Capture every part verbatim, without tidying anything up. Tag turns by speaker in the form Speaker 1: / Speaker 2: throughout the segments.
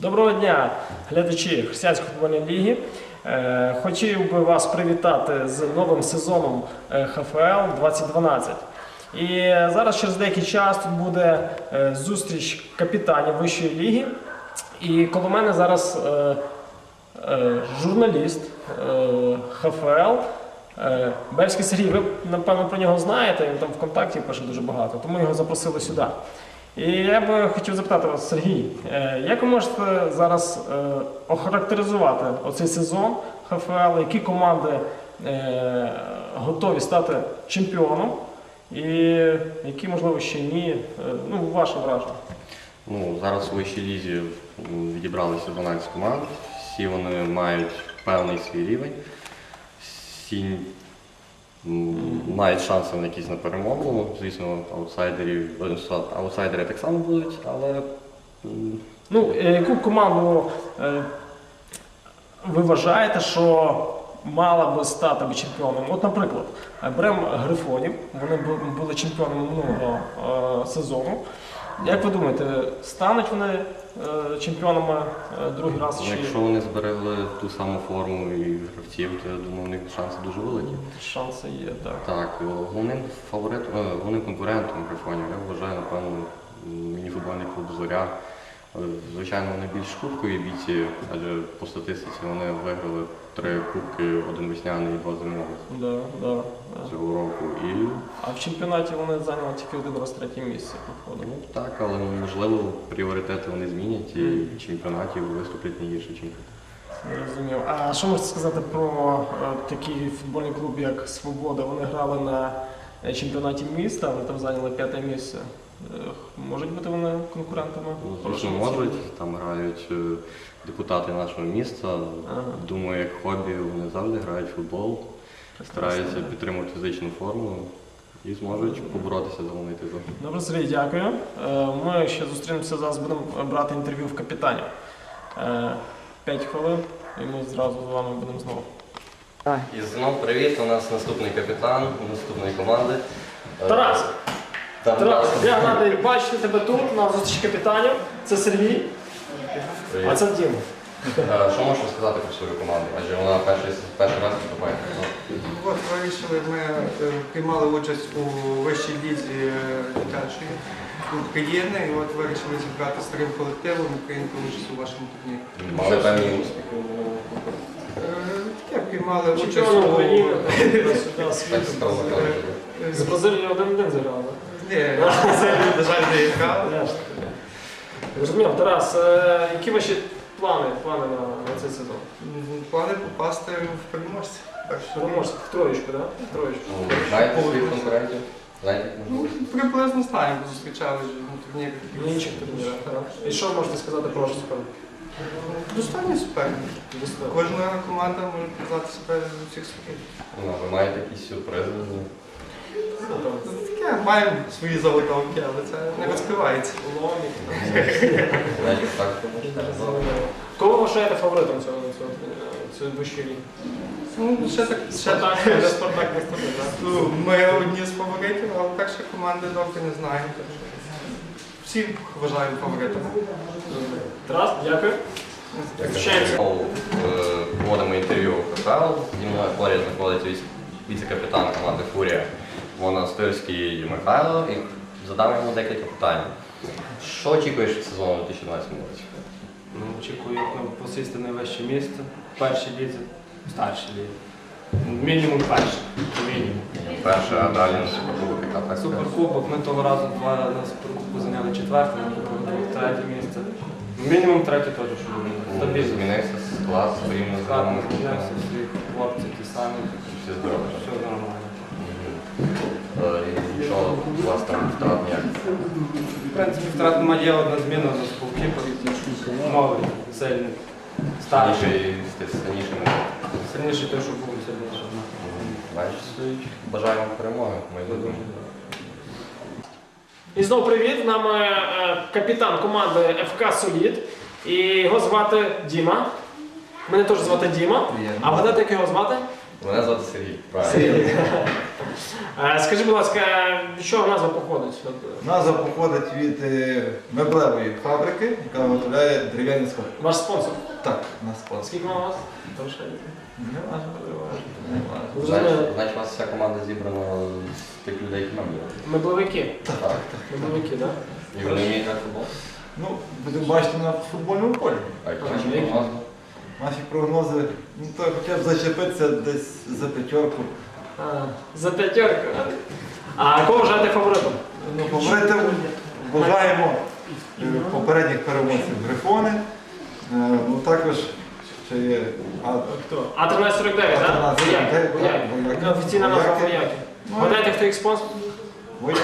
Speaker 1: Доброго дня, глядачі Християнської футбольної ліги. Хотів би вас привітати з новим сезоном ха еф ел двадцять дванадцять. І зараз через деякий час тут буде зустріч капітанів вищої ліги. І коло мене зараз журналіст ха еф ел Бельський Сергій. Ви, напевно, про нього знаєте, він там ВКонтакті пише дуже багато, тому його запросили сюди. І я би хотів запитати вас, Сергій, як ви можете зараз охарактеризувати оцей сезон ха еф ел, які команди готові стати чемпіоном і які, можливо, ще ні? Ну, ваше враження.
Speaker 2: Ну, зараз у вищій лізі відібралися дванадцять команд, всі вони мають певний свій рівень, всі мають шанси на якісь на перемогу. Звісно, аутсайдерів, аутсайдери так само будуть, але...
Speaker 1: Ну, яку команду е, ви вважаєте, що мала би стати би чемпіоном? От, наприклад, беремо Грифонів, вони були чемпіонами минулого е, сезону. Як ви думаєте, стануть вони е, чемпіонами е, другий раз? Чи...
Speaker 2: Якщо вони зберегли ту саму форму і гравців, то я думаю, у них шанси дуже великі.
Speaker 1: Шанси є, так.
Speaker 2: Так, головним фаворитом, головним конкурентом Грифонів, я вважаю, напевно, мініфутбольний клуб «Зоря». Звичайно, вони більш кубкові бійці, адже по статистиці вони виграли три кубки, один весняний і два зимових
Speaker 1: да, да.
Speaker 2: цього року. І...
Speaker 1: А в чемпіонаті вони зайняли тільки один раз третє місце.
Speaker 2: Ну, так, але можливо пріоритети вони змінять і
Speaker 1: mm.
Speaker 2: в чемпіонаті виступлять не гірше, ніж.
Speaker 1: Розумів. А що можете сказати про е, такий футбольний клуб, як «Свобода»? Вони грали на чемпіонаті міста, вони там зайняли п'яте місце. Можуть бути вони конкурентами?
Speaker 2: Ну, звісно, можуть. Там грають депутати нашого міста. Ага. Думаю, як хобі вони завжди грають в футбол, стараються підтримувати фізичну форму і зможуть поборотися за головний титул.
Speaker 1: Добре, Сергій, дякую. Ми ще зустрінемося, зараз будемо брати інтерв'ю в капітанів. П'ять хвилин і ми зразу з вами будемо знову.
Speaker 2: І знову привіт, у нас наступний капітан наступної команди.
Speaker 1: Тарас!
Speaker 2: Тарас,
Speaker 1: я радий бачити тебе тут, на зустрічі капітанів. Це Сергій,
Speaker 2: привіт.
Speaker 1: А це Діма.
Speaker 2: Що можеш сказати про свою команду? Адже вона перший, перший раз виступає.
Speaker 3: От вирішили, ми приймали участь у вищій лізі дитячої України, і от вирішили зібрати старим колективом і прийняти участь у вашому турнірі.
Speaker 2: Мали певні успіхи?
Speaker 3: Таке, приймали участь
Speaker 1: Чемпіон
Speaker 3: у...
Speaker 1: України, сюди світу. З Бразилією один-один зіграли.
Speaker 3: Ні, на жаль, не грав.
Speaker 1: Розумів, Тарас, які ваші плани, плани на, на цей сезон?
Speaker 3: Плани попасти в переможця.
Speaker 1: Переможця, в троєчку, так? В троєчку.
Speaker 2: Знаєте своїх конкурентів? Знаєте,
Speaker 3: Ну, приблизно знаємо, зустрічали вже на турнірі.
Speaker 1: В інших турнірах, так. І що можете сказати про вашу суперник?
Speaker 3: Достойний суперник. Кожна команда може показати себе з усіх сторін.
Speaker 2: Ну, ви маєте якісь сюрпризи?
Speaker 3: Таке, маємо свої заготовки, але це не розкривається.
Speaker 2: Знаєте, так?
Speaker 1: Кого ви вважаєте фаворитом цього, цього, цього вищої ліги?
Speaker 3: Ну, ще так, ще
Speaker 1: Спартак,
Speaker 3: так.
Speaker 1: не Спартак, не Спартак, так?
Speaker 3: Ну, ми одні з фаворитів, але так ще команди довго не знаємо. так що Всі вважаємо фаворитами.
Speaker 1: Тарас, дякую. Зустрічаємося.
Speaker 2: Знову проводимо інтерв'ю ха еф ел. Зі мною поряд знаходиться віце- віце-капітан команди «Фурія» Монастирський Михайло. І задам йому декілька питань. Що очікуєш від сезону дві тисячі дванадцятому році?
Speaker 4: Ну, очікую посісти найвище місце в першій лізі, в старшій лізі. Мінімум перше. Мінімум.
Speaker 2: Перше, а далі на суперкубок, яка так?
Speaker 4: Суперкубок, ми того разу два на суперкубку зайняли четверте, ми було третє місце. Мінімум третє теж, що буде. Стабільно.
Speaker 2: Змінився склад своїм
Speaker 4: Склад
Speaker 2: названим.
Speaker 4: змінився, всі хлопці ті самі.
Speaker 2: Всі здорові.
Speaker 4: Все нормально.
Speaker 2: І що у вас там втрат ніяк?
Speaker 4: В принципі, втрат немає, є одна зміна за співкіпер. Новий, сильний. Старший.
Speaker 2: Сильніший, сильніший.
Speaker 4: Сильніший той, що був сильніший.
Speaker 2: Бачите, бажаю вам перемоги. Ми будемо.
Speaker 1: І знову привіт, з нами е, капітан команди еф ка «Солід». І його звати Діма. Мене теж звати Діма.
Speaker 2: Приємно.
Speaker 1: А вгадати, як його звати?
Speaker 2: Мене звати Сергій. Правильно.
Speaker 1: Сергій. Е, Скажи, будь ласка, від чого назва походить? От,
Speaker 5: Назва походить від е, меблевої фабрики, яка виготовляє дерев'яні сходи.
Speaker 1: Ваш спонсор.
Speaker 5: Так, на спонсор.
Speaker 1: Скільки у вас?
Speaker 5: Не важливо. Не важливо.
Speaker 2: Значить, значить, у вас вся команда зібрана з тих людей, які нам є.
Speaker 1: Мебловики.
Speaker 2: Так.
Speaker 1: Мебловики, так?
Speaker 2: І вони вміють грати в футбол?
Speaker 5: Ну, будемо бачити на футбольному полі.
Speaker 2: А які
Speaker 1: Ага,
Speaker 2: ваші
Speaker 1: які?
Speaker 2: прогнози?
Speaker 5: Наші прогнози, ну то хоча б зачепитися десь за п'ятерку.
Speaker 1: А, за п'ятерку. А кого вважаєте фаворитом?
Speaker 5: Ну, фаворитом вважаємо е, попередніх переможців Грифони. Е, Ну також ще є а,
Speaker 1: Хто? А тринадцять сорок дев'ять, так?
Speaker 5: А тринадцять сорок дев'ять,
Speaker 1: Вояки.
Speaker 5: так,
Speaker 1: Вояки.
Speaker 5: вояки.
Speaker 1: Офіційна назва
Speaker 5: Вояки.
Speaker 1: вояки.
Speaker 5: Ну,
Speaker 1: Гадаєте, хто їх спонсор?
Speaker 5: вояки.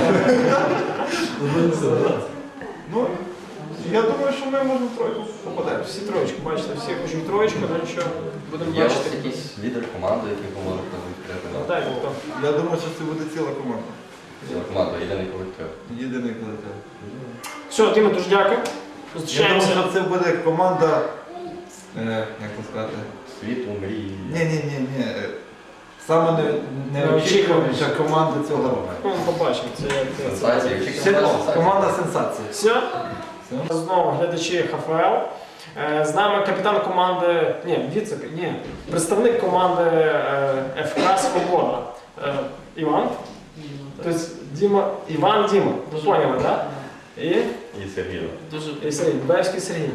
Speaker 5: Ну, я думаю, що ми можемо в тройку попадемо.
Speaker 1: Всі троєчку, бачите, всі хочуть троєчку, ну нічого, будемо
Speaker 2: Є у вас
Speaker 1: бачити.
Speaker 2: якийсь лідер команди, який ви можете відкрити?
Speaker 1: Так, хто?
Speaker 5: Я думаю, що це буде ціла команда.
Speaker 2: Ціла команда, єдиний колектив.
Speaker 5: Єдиний колектив.
Speaker 1: Все, Діма, дуже дякую.
Speaker 5: Я думаю,
Speaker 1: Зустрічаємося.
Speaker 5: що це буде команда, е, як це сказати,
Speaker 2: Світу, мрії.
Speaker 5: ні, ні, ні, ні. е, Саме не, неочікуваніша команда цього року.
Speaker 1: Ну, побачимо, це як це.
Speaker 2: Сенсація. Якщо
Speaker 5: Це
Speaker 2: команда сенсація.
Speaker 5: команда сенсації.
Speaker 1: Все.
Speaker 5: Все.
Speaker 1: Знову глядачі ХФЛ. Е, З нами капітан команди, ні, віце, ні, представник команди е, ФК «Свобода». Е, Іван. Тобто Діма, Іван Діма. Ви поняли, так? І,
Speaker 2: І Сергій.
Speaker 1: і Сергій, Бевський Сергій.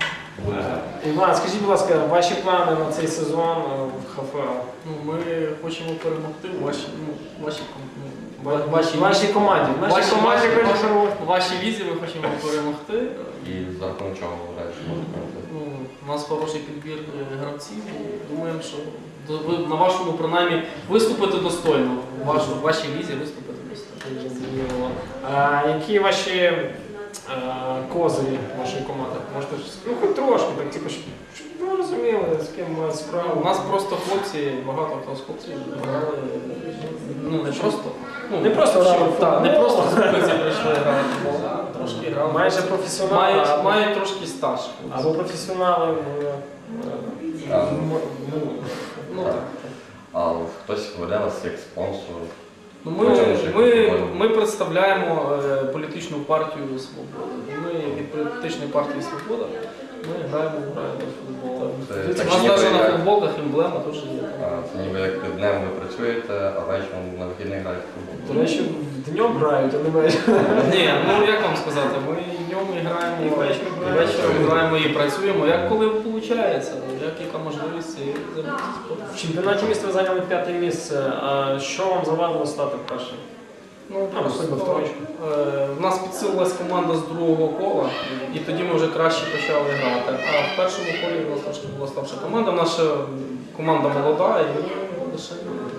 Speaker 1: Е, Іван, скажіть, будь ласка, ваші плани на цей сезон е, в ХФЛ?
Speaker 6: Ну, ми хочемо перемогти в вашій, ну, вашій, ком- ну,
Speaker 1: Ва-
Speaker 6: ва- вашій,
Speaker 1: В вашій команді. В нашій
Speaker 6: вашій-
Speaker 1: команді
Speaker 6: вашій-
Speaker 1: хочуть
Speaker 6: вашій-
Speaker 1: перемогти.
Speaker 6: в вашій візі ми хочемо перемогти.
Speaker 2: І за рахунок чого ви вважаєте, що можете перемогти?
Speaker 6: Ну, у нас хороший підбір е, гравців. і Думаємо, що до- ви на вашому принаймні виступити достойно. В вашу- в вашій візі виступити достойно.
Speaker 1: Зрозуміло. А які ваші е, козирі вашої команди? Можете щось- ну хоч трошки, так типу, щоб, щоб ви розуміли, з ким мають справу.
Speaker 6: У нас просто хлопці, багато хто з хлопців грали. Ну не просто. Ну,
Speaker 1: Не просто грали в
Speaker 6: так, не
Speaker 1: футбол.
Speaker 6: просто з вулиці прийшли грати в футбол, а трошки грали.
Speaker 1: Майже професіонали.
Speaker 6: Мають,
Speaker 1: або-
Speaker 6: мають трошки стаж.
Speaker 1: Або професіонали в, е,
Speaker 2: А,
Speaker 1: в м- ну,
Speaker 6: Ну, так.
Speaker 2: А хтось веде вас як спонсор?
Speaker 6: Ну,
Speaker 2: Ну,
Speaker 6: ми,
Speaker 2: чому ж
Speaker 6: ми,
Speaker 2: як
Speaker 6: ми представляємо е, політичну партію «Свобода». І ми від політичної партії «Свобода» ми граємо, граємо в футбол.
Speaker 2: Це
Speaker 6: У
Speaker 2: так,
Speaker 6: нас
Speaker 2: ніби
Speaker 6: навіть на
Speaker 2: як-
Speaker 6: футболках емблема теж є.
Speaker 2: А, Це ніби як днем ви працюєте, а вечором на вихідних граєте в футбол.
Speaker 1: до речі, днем грають, а не ввечері.
Speaker 6: Ні, ну як вам сказати, ми і днем і граємо,
Speaker 1: І ввечері
Speaker 6: і
Speaker 1: граємо.
Speaker 6: вечором граємо і працюємо, як коли виходить, як яка можливість і займатися спортом.
Speaker 1: В чемпіонаті міста ви зайняли п'яте місце. А що вам завадило стати першим?
Speaker 6: Ну,
Speaker 1: А,
Speaker 6: просто,
Speaker 1: особливо в троєчку.
Speaker 6: е, в нас підсилилась команда з другого кола, і тоді ми вже краще почали грати. А в першому колі у нас трошки була слабша команда. Наша команда молода, і ми лише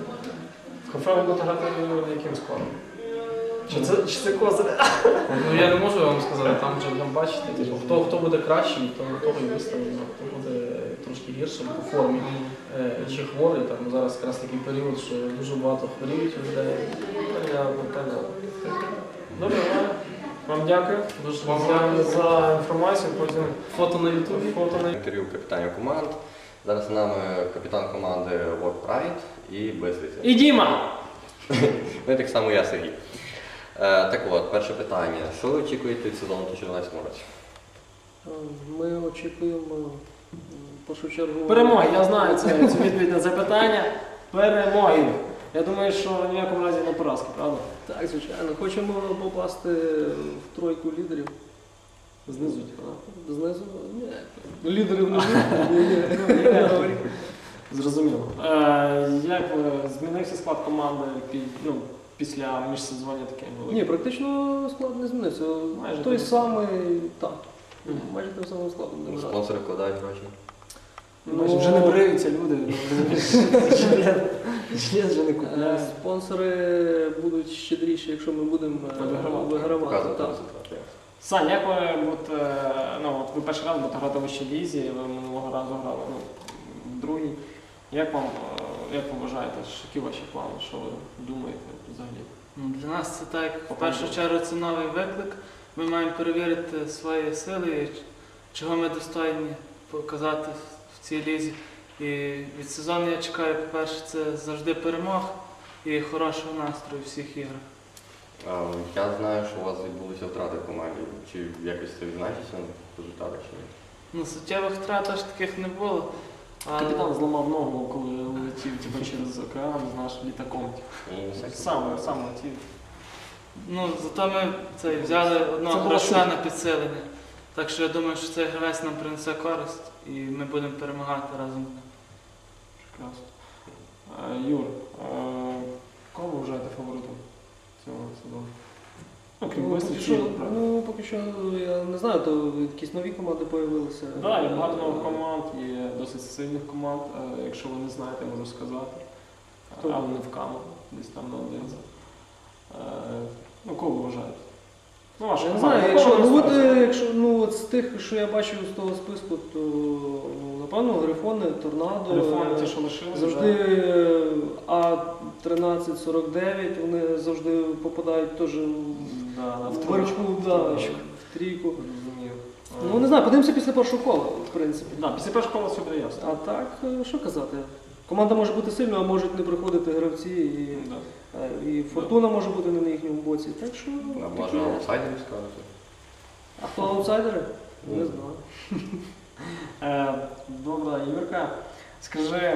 Speaker 1: В ХФЛ ви будете грати яким складом? Чи це, чи це козир?
Speaker 6: ну я не можу вам сказати, там вже будемо бачити. Типу, хто хто буде кращий, то того і виставимо. Хто буде трошки гіршим по формі е, чи хворий. Там зараз якраз такий період, що дуже багато хворіють у людей.
Speaker 1: Понятно, понятно. Добре, Ваня. Вам дякую.
Speaker 6: Дуже вам
Speaker 1: за,
Speaker 6: дякую.
Speaker 1: за інформацію. Потім
Speaker 6: Фото на ютубі.
Speaker 1: фото на
Speaker 2: Інтерв'ю капітанів команд. Зараз з нами капітан команди World Pride і Близвиця.
Speaker 1: І Діма!
Speaker 2: Ну і так само я, Сергій. Е, так от, перше питання. Що ви очікуєте від сезону у чотирнадцятому році?
Speaker 7: Ми очікуємо м, в першу чергу
Speaker 1: Перемоги, я знаю це, цю відповідь на запитання. Перемоги. Я думаю, що в ніякому разі не поразки, правда?
Speaker 7: Так, звичайно. Хочемо попасти в тройку лідерів.
Speaker 1: Знизу, типу,
Speaker 7: Знизу ні. Лідери внизу. Ні, ні.
Speaker 1: зрозуміло. Е, як ви змінився склад команди пі- ну, після міжсезоння таке було?
Speaker 7: Ні, практично склад не змінився.
Speaker 1: Майже
Speaker 7: Той
Speaker 1: той
Speaker 7: самий, так.
Speaker 1: Мгм.
Speaker 7: Майже тим самим складом не грати.
Speaker 2: Спонсори вкладають гроші.
Speaker 1: Ну, вже не бриються люди. Жилет вже не
Speaker 7: Е,
Speaker 1: купляють.
Speaker 7: Спонсори будуть щедріші, якщо ми будемо е,
Speaker 1: Вигравати.
Speaker 7: вигравати.
Speaker 2: Показувати
Speaker 7: Так.
Speaker 2: результати.
Speaker 1: Сань, як ви, от, е, ну, от ви перший раз будете грати в вищій лізі, ви минулого разу грали ну, в другій. Як вам, е, як ви вважаєте, що- які ваші плани, що ви думаєте взагалі?
Speaker 8: Ну, для нас це так, в першу чергу це новий виклик. Ми маємо перевірити свої сили, і чого ми достойні показати в цій лізі. І від сезону я чекаю, по-перше, це завжди перемог. і хорошого настрою в всіх іграх.
Speaker 2: А, Я знаю, що у вас відбулися втрати в команді. Чи якось це відзначиться на результатах чи ні?
Speaker 8: Ну, суттєвих втрат аж таких не було. Але...
Speaker 1: Капітан зламав ногу, коли летів типу, через океан з нашим літаком.
Speaker 2: Ну, всяке
Speaker 1: Сам,
Speaker 2: буває.
Speaker 1: сам летів.
Speaker 8: Ну, зато ми це, взяли
Speaker 1: Це
Speaker 8: одного
Speaker 1: була
Speaker 8: гравця
Speaker 1: шутка.
Speaker 8: на підсилення. Так що я думаю, що цей гравець нам принесе користь і ми будемо перемагати разом з ним.
Speaker 1: Прекрасно. Е, Юр, е, кого ви вважаєте фаворитом цього сезону? Ну, крім
Speaker 7: Ну,
Speaker 1: Бистри,
Speaker 7: поки
Speaker 1: чи
Speaker 7: що,
Speaker 1: правда?
Speaker 7: ну, поки що, я не знаю, то якісь нові команди з'явилися.
Speaker 1: Так, є багато нових команд, є досить сильних команд. Е, Якщо ви не знаєте, можу сказати.
Speaker 7: Хто?
Speaker 1: Але не в камеру, десь там на одинці. Е, Ну, кого ви вважаєте? Ну, ваша
Speaker 7: Я не
Speaker 1: команда.
Speaker 7: знаю,
Speaker 1: Кого
Speaker 7: якщо,
Speaker 1: ви
Speaker 7: ну, от,
Speaker 1: ставите?
Speaker 7: е, якщо ну, от з тих, що я бачив з того списку, то ну, напевно Грифони, Торнадо.
Speaker 1: Телефони
Speaker 7: е,
Speaker 1: ті, що лишилися.
Speaker 7: Завжди е, А тринадцять сорок дев'ять, вони завжди попадають теж
Speaker 1: Да, да, в
Speaker 7: в
Speaker 1: тройку.
Speaker 7: верху, да,
Speaker 1: Тройку.
Speaker 7: в трійку.
Speaker 1: Розумію.
Speaker 7: Ну не знаю, подивимося після першого кола, в принципі.
Speaker 1: Да, після першого кола все буде ясно.
Speaker 7: А так, е, що казати? Команда може бути сильною, а можуть не приходити гравці, і,
Speaker 1: Да.
Speaker 7: е, і фортуна може бути не на їхньому боці. Так що
Speaker 2: А
Speaker 7: таке.
Speaker 2: може аутсайдерів скажете?
Speaker 7: А хто аутсайдери?
Speaker 2: Ну.
Speaker 7: Не знаю.
Speaker 1: Е, Добре, Юрка, скажи, м,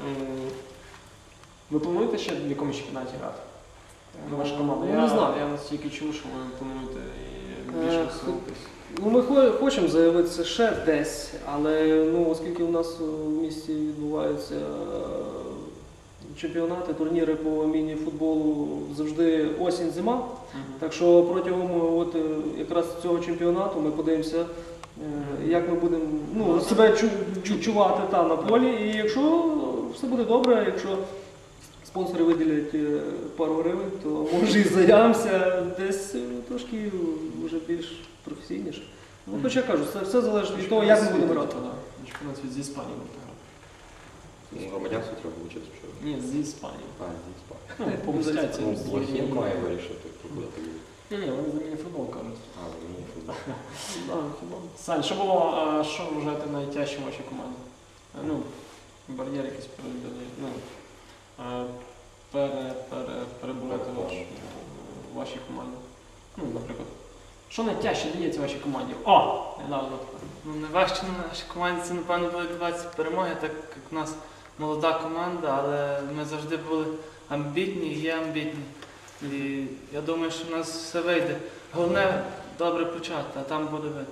Speaker 1: ви плануєте ще в якомусь чемпіонаті грати? Ну, ваша команда.
Speaker 7: Ну,
Speaker 1: Я
Speaker 7: не знаю.
Speaker 1: Я настільки чув, що ви плануєте і
Speaker 7: Е,
Speaker 1: більше
Speaker 7: хо-
Speaker 1: висунутись.
Speaker 7: Ну, ми хо- хочемо заявитися ще десь, але ну, оскільки у нас в місті відбуваються е, чемпіонати, турніри по міні-футболу завжди осінь-зима. Так що протягом от, е, якраз цього чемпіонату ми подивимося, е, як ми будемо ну, себе чу- відчувати та, на полі. І якщо все буде добре, якщо спонсори виділять е, пару гривень, то може і заявимося десь е, трошки вже більш професійніше. Ну, хоча я кажу, це все залежить від того, як ми будемо грати.
Speaker 1: Чемпіонат світу з Іспанії будете грати.
Speaker 2: Ну, громадянство треба вчитися, що.
Speaker 1: Ні, з Іспанії.
Speaker 2: А, дійсно.
Speaker 1: Ну, помстяться.
Speaker 2: Ну, Блохін має вирішити, хто куди тоді.
Speaker 1: Ні, ні, вони за міні-футбол кажуть.
Speaker 2: А, мені футбол.
Speaker 7: Да, хіба.
Speaker 1: Сань, що було, а, що ви вважаєте найтяжчим в вашій команді? Е, Ну, бар'єр якийсь перебили, ну, е, пере, пере, перебороти ваш, в вашій команді. Ну, наприклад. Що найтяжче дається вашій команді? О! Недавно.
Speaker 8: Ну, найважче на нашій команді це, напевно, були двадцять перемоги, так як в нас молода команда, але ми завжди були амбітні і є амбітні. І я думаю, що в нас все вийде. Головне добре почати, а там буде видно.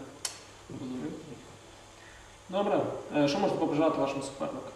Speaker 1: Добре. Е, Що можете побажати вашому супернику?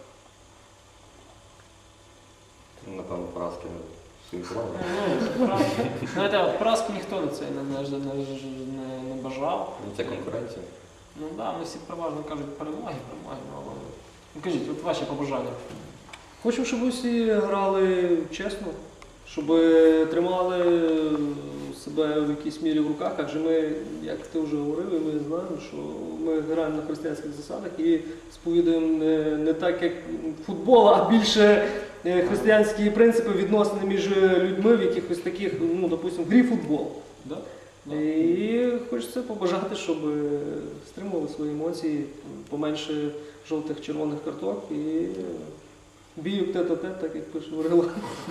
Speaker 2: Напевно, поразки своїм командам.
Speaker 1: Ну, поразки. Знаєте, от поразки ніхто не це не, не, не, не, не бажав.
Speaker 2: Ну, це конкуренція.
Speaker 1: Ну так, да, ми всі переважно кажуть перемоги, перемоги, ну, але... Ну, кажіть, от ваші побажання.
Speaker 7: Хочу, щоб усі грали чесно, щоб тримали себе в якійсь мірі в руках, адже ми, як ти вже говорив, і ми знаємо, що ми граємо на християнських засадах і сповідуємо не, не так, як футбол, а більше е, християнські принципи відносини між людьми в якихось таких, ну, допустимо, в грі футбол.
Speaker 1: Да? Да.
Speaker 7: І хочеться побажати, щоб стримували свої емоції, поменше жовтих червоних карток і бійок тет-а-тет, так як пише Варила.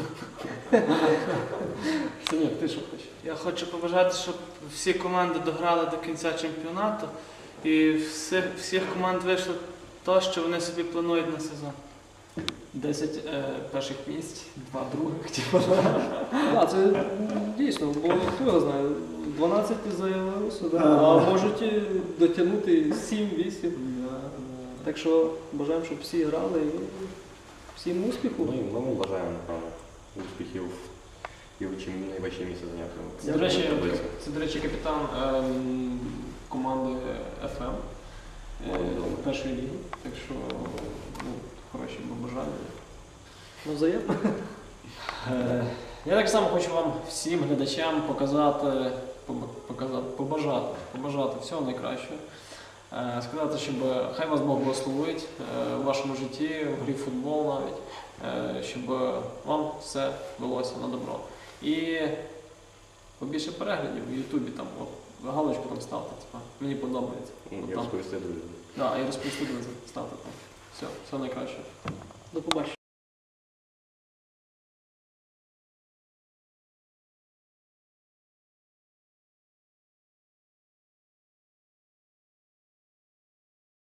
Speaker 1: Синєк, ти що хочеш?
Speaker 8: Я хочу побажати, щоб всі команди дограли до кінця чемпіонату і всіх, всіх команд вийшло те, що вони собі планують на сезон.
Speaker 1: Десять е, перших місць, два других, типу.
Speaker 7: Так, це дійсно, бо хто його знає, дванадцять заявилося, да, а можуть і дотягнути сім-вісім. Так що бажаємо, щоб всі грали і всім успіху.
Speaker 2: Ну і ми бажаємо, напевно, успіхів і в чим найвищі місце зайняти.
Speaker 1: Це, до речі,
Speaker 2: Таблицю.
Speaker 1: це, до речі, капітан ем, команди еф ем е, першої ліги. Так що ну, хороші побажання.
Speaker 7: Ну, взаємно.
Speaker 1: Е, Я так само хочу вам всім глядачам показати, поб- показати побажати, побажати всього найкращого. Е, Сказати, щоб хай вас Бог благословить е, в вашому житті, в грі в футбол навіть, е, щоб вам все велося на добро. І побільше переглядів в Ютубі, там, от, галочку там ставте, типа, мені подобається.
Speaker 2: Ну,
Speaker 1: От
Speaker 2: і
Speaker 1: там.
Speaker 2: розповісти друзям.
Speaker 1: Да, і розповісти друзям, ставте там. Все, все найкраще.